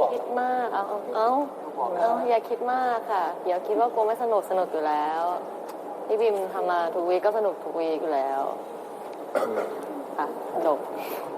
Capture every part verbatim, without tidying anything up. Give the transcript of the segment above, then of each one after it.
คิดมากเอาเอาเอาเอาอย่าคิดมากค่ะเดี๋ยวคิดว่ากูไม่สนุกสนุกอยู่แล้วพี่บิมทำมาทุกวีคก็สนุกทุกวีคอยู่แล้วอ่ะจบ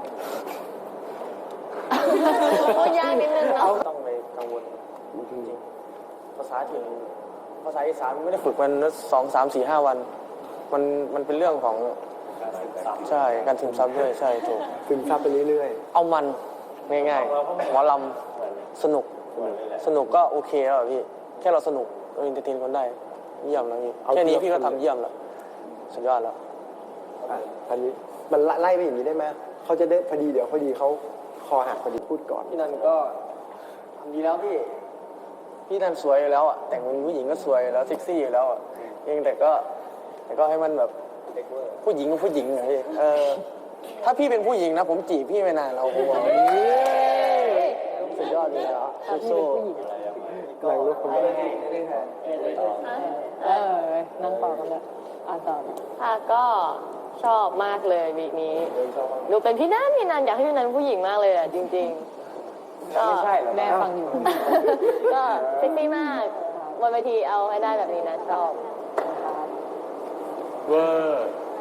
พูดยากนิดนึงเนาะต้องไปกังวลจริงๆภาษาถิ่นภาษาอีสานไม่ได้ฝึกมันสองสามสี่ห้าวันมันมันเป็นเรื่องของใช่การซึมซับด้วยใช่ถูกซึมซับไปเรื่อยเอามันง่ายๆหมอลำสนุกสนุกก็โอเคแล้วพี่แค่เราสนุกเราอินเตอร์เทนคนได้เยี่ยมแล้วพี่แค่นี้พี่ก็ทำเยี่ยมแล้วสุดยอดแล้วๆอ่ะอันนี้มันไล่ไปอย่างนี้ได้ไหมเขาจะได้พอดีเดี๋ยวพอดีเขาคอหักพอดีพูดก่อนพี่นันก็ทำดีแล้วพี่พี่นันสวยอยู่แล้วอ่ะแต่งเป็นผู้หญิงก็สวยอยู่แล้วเซ็กซี่อยู่แล้วอ่ะเพียงแต่ก็แต่ก็ให้มันแบบผู้หญิงกับผู้หญิงอะพี่เออถ้าพี่เป็นผู้หญิงนะผมจีบพี่ไม่นานเราผมบอกสุดยอดเลยแล้วโซ่ๆแรงลุกคนแรกเออนั่งต่อกันเลยอ่านต่อค่ะก็ชอบมากเลยวีคนี้ดูเป็นพี่นันพี่นันอยากให้พี่นันผู้หญิงมากเลยอ่ะจริงๆก็ไม่ใช่หรอแม่ฟังอยู่ก็เซ็กซี่มากบนเวทีเอาให้ได้แบบนี้นะชอบเวอร์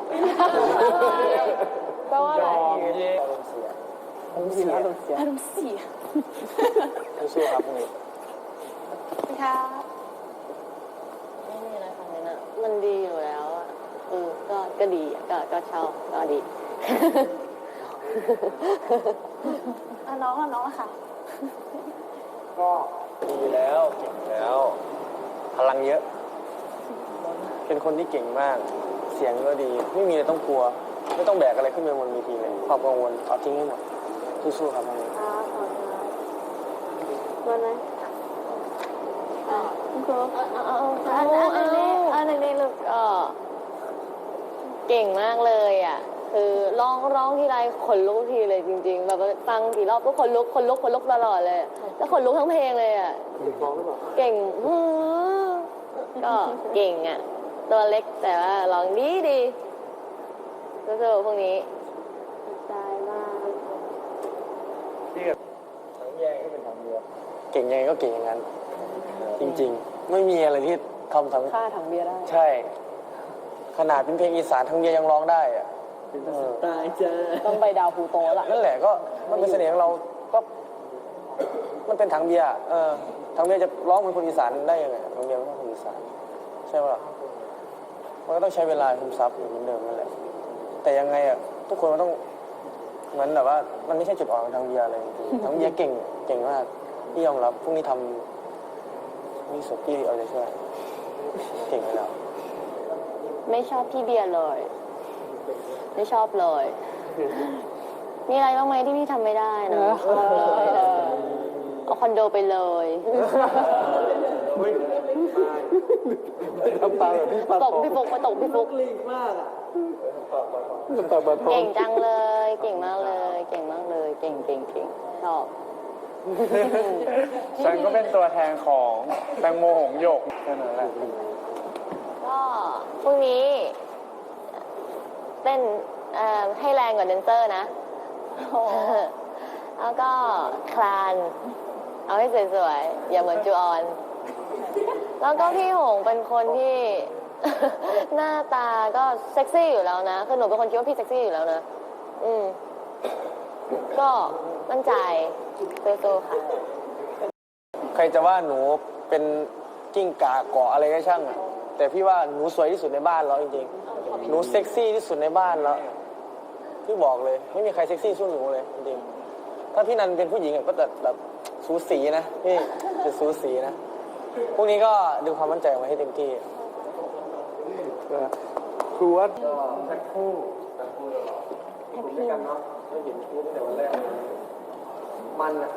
แปลว่าอะไรอารมณ์เสียอารมณ์เสียอารมณ์เสียสู้ๆครับพวกนี้ค่ะไม่มีอะไรค่ะเนี่ยนะมันดีอยู่แล้วอ่ะเออก็ก็ดีอ่ะก็ก็ชอบก็ดีอ่ะน้องอ่ะน้องอะค่ะก็ดีแล้วเก่งแล้ว พลังเยอะ เป็นคนที่เก่งมาก เสียงก็ดี ไม่มีอะไรต้องกลัว ไม่ต้องแบกอะไรขึ้นไปบนเวทีเลยความกังวลเอาทิ้งให้หมดสู้ๆครับพวกนี้ครับขอบคุณวันไหนอ่ะคุณครูเอาเอาเอาเอาเอาเอาในนี้ลูกก็เก่งมากเลยอ่ะ คือร้องร้องทีไรขนลุกทีเลยจริง ๆ แบบฟังกี่รอบก็ขนลุกขนลุกขนลุกตลอดเลย แล้วขนลุกทั้งเพลงเลยอ่ะ เก่งอื้อก็เก่งอ่ะ ตัวเล็กแต่ว่าร้องดีดีสู้ๆพวกนี้ได้มากทั้งแยงก็เป็นทางเดียวเก่งยังไงก็เก่งอย่างนั้น จริงๆ ไม่มีอะไรที่ทำทั้งค่าถังเบียร์ได้ใช่ ขนาดเป็นเพลงอีสานทั้งเดียวยังร้องได้อะเออตายจ้าต้องไปดาวพูโตละนั่นแหละก็มันเป็นเสน่ห์ของเราก็มันเป็นถังเบียร์อะเออถังเบียร์จะร้องเหมือนคนอีสานได้ยังไงถังเบียร์ไม่ใช่คนอีสานใช่ปะล่ะมันก็ต้องใช้เวลาซึมซับเหมือนเดิมนั่นแหละแต่ยังไงอ่ะทุกคนมันต้องเหมือนแบบว่ามันไม่ใช่จุดอ่อนของถังเบียร์เลยจริงๆถังเบียร์เก่งเก่งมากพี่ยอมรับพรุ่งนี้ทำนี่สุดพี่เอาใจช่วยเก่งไปแล้วไม่ชอบพี่เบียร์เลย ไม่ชอบเลย มีอะไรบ้างไหมที่พี่ทำไม่ได้นะชอบเลยเอาคอนโดไปเลยทำตาแบบพี่ปาตกพี่ฟุกมาตกพี่ฟุกทำตาปลาทองเก่งจังเลย เก่งมากเลย เก่งมากเลย เก่งเก่งเก่งชอบฉันก็เป็นตัวแทนของแตงโมหงส์หยกแค่นั้นแหละก็พรุ่งนี้เต้นเอ่อให้แรงกว่าแดนเซอร์นะ แล้วก็คลาน เอาให้สวยๆ อย่าเหมือนจูออน แล้วก็พี่หงเป็นคนที่ หน้าตาก็เซ็กซี่อยู่แล้วนะคือหนูเป็นคนคิดว่าพี่เซ็กซี่อยู่แล้วนะ อืม ก็มั่นใจสู้ๆค่ะใครจะว่าหนูเป็นกิ้งก่าเกาะอะไรก็ช่างอะแต่พี่ว่าหนูสวยที่สุดในบ้านแล้วจริงๆหนูเซ็กซี่ที่สุดในบ้านแล้วพี่บอกเลย ไม่มีใครเซ็กซี่สู้หนูเลยจริงๆถ้าพี่นันเป็นผู้หญิงอะก็จะแบบสูสีนะพี่จะสูสีนะพวกนี้ก็ดึงความมั่นใจออกมาให้เต็มที่ครูว่ามันอะ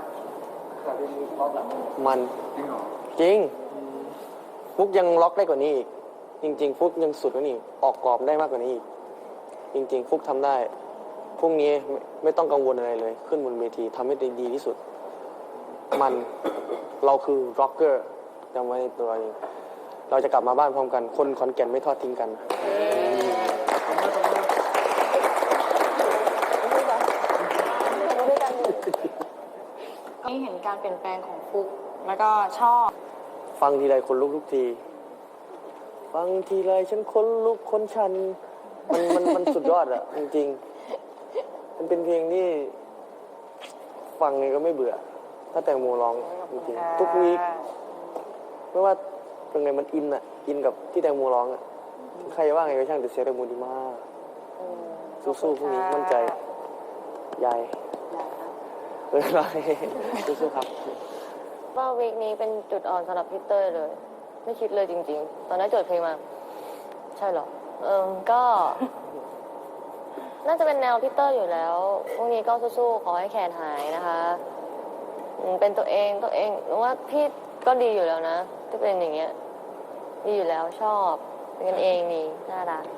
มันจริงฟุกยังล็อกได้กว่านี้อีกจริง ๆ ฟุกยังสุดกว่านี้อีกออกกรอบได้มากกว่านี้อีกจริง ๆ ฟุกทำได้พรุ่งนี้ไม่ไม่ต้องกังวลอะไรเลย ขึ้นบนเวทีทำให้ได้ดีที่สุด มันเราคือร็อกเกอร์จำไว้ในตัวเองเราจะกลับมาบ้านพร้อมกัน คนขอนแก่นไม่ทอดทิ้งกันนี่เห็นการเปลี่ยนแปลงของฟุกแล้วก็ชอบฟังทีไรคนลุกทุกที ฟังทีไรฉันคนลุกคนชัน มันมันมันสุดยอดอะจริงๆ มันเป็นเพลงที่ ฟังไงก็ไม่เบื่อ ถ้าแตงโมร้องจริงๆทุกวีคไม่ว่าเป็นไงมันอินอะอินกับที่แตงโมร้องอะใครจะว่าไงก็ช่างแต่เสียงแตงโมดีมากสู้ๆพรุ่งนี้มั่นใจยายเออไรสู้ๆครับว่าวีคนี้เป็นจุดอ่อนสำหรับพี่เต้ยเลย ไม่คิดเลยจริงๆ ตอนนั้นโจทย์เพลงมา ใช่เหรอ เออก็ น่าจะเป็นแนวพี่เต้ยอยู่แล้วพรุ่งนี้ก็สู้ๆขอให้แขนหายนะคะอืมเป็นตัวเองตัวเองหนูว่าพี่ก็ดีอยู่แล้วนะที่เป็นอย่างเงี้ย ดีอยู่แล้วชอบเป็นกันเองดีน่ารัก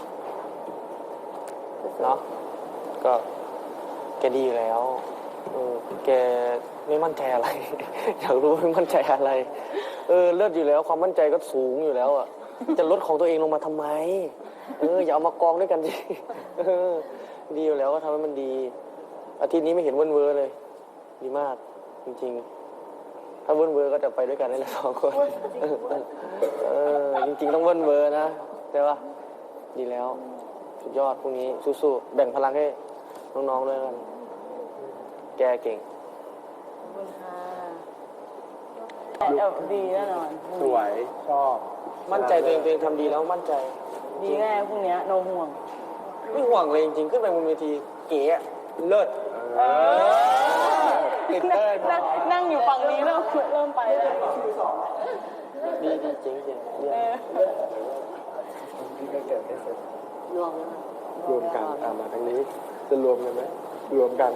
สู้ๆเนาะก็แกดีอยู่แล้วเออแกไม่มั่นใจอะไร อยากรู้ไม่มั่นใจอะไร เออเลิศอยู่แล้วความมั่นใจก็สูงอยู่แล้วอ่ะ จะลดของตัวเองลงมาทำไม เอออย่าเอามากองด้วยกันสิเออดีอยู่แล้วก็ทำให้มันดี อาทิตย์นี้ไม่เห็นเวิ้นเวอร์เลย ดีมากจริงๆ ถ้าเวิ้นเวอร์ก็จะไปด้วยกันได้แหละสองคนเออจริงๆต้องเวิ้นเวอร์นะใช่ปะดีแล้ว สุดยอดพรุ่งนี้สู้ๆแบ่งพลังให้น้องๆด้วยกัน แกเก่งเออดีแน่นอนสวย ชอบมั่นใจตัวเองตัวเองทำดีแล้วมั่นใจดีแน่พรุ่งนี้โนห่วงไม่ห่วงเลยจริงๆ ขึ้นไปบนเวทีเก๋อะเลิศติดเต้ยนั่งนั่งอยู่ฝั่งนี้เริ่มเริ่มไปแล้วดีดีเจ๋งเจ๋งเยี่ยมที่ก็เกิดให้เสร็จรวมกันอ่ามาทางนี้ จะรวมกันไหมรวมกัน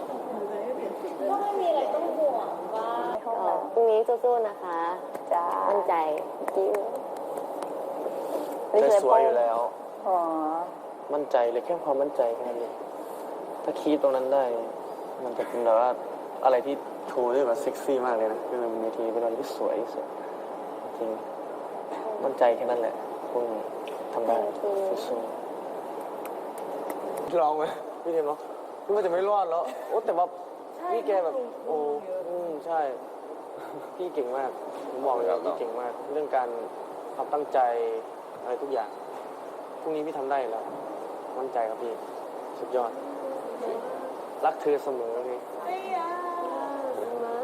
พรุ่งนี้สู้ๆนะคะ จ้า มั่นใจกิ้วเธอสวยอยู่แล้วอ๋อมั่นใจเลยแค่ความมั่นใจแค่นั้นเองถ้าคีดตรงนั้นได้ มันจะเป็นแบบว่าอะไรที่โชว์ได้แบบเซ็กซี่มากเลยนะคือในทีเป็นอะไรที่สวยที่สุดจริงมั่นใจแค่นั้นแหละพวกนี้ทำได้สู้ๆลองไหมพี่เทมเนาะคิดว่าจะไม่รอดแล้วโอ้แต่ว่าพี่แกแบบโอ้อืมใช่ พี่เก่งมากผมบอกเลยว่าพี่เก่งมาก เรื่องการความตั้งใจอะไรทุกอย่างพรุ่งนี้พี่ทำได้แล้ว มั่นใจครับพี่ สุดยอด รักเธอเสมอเลย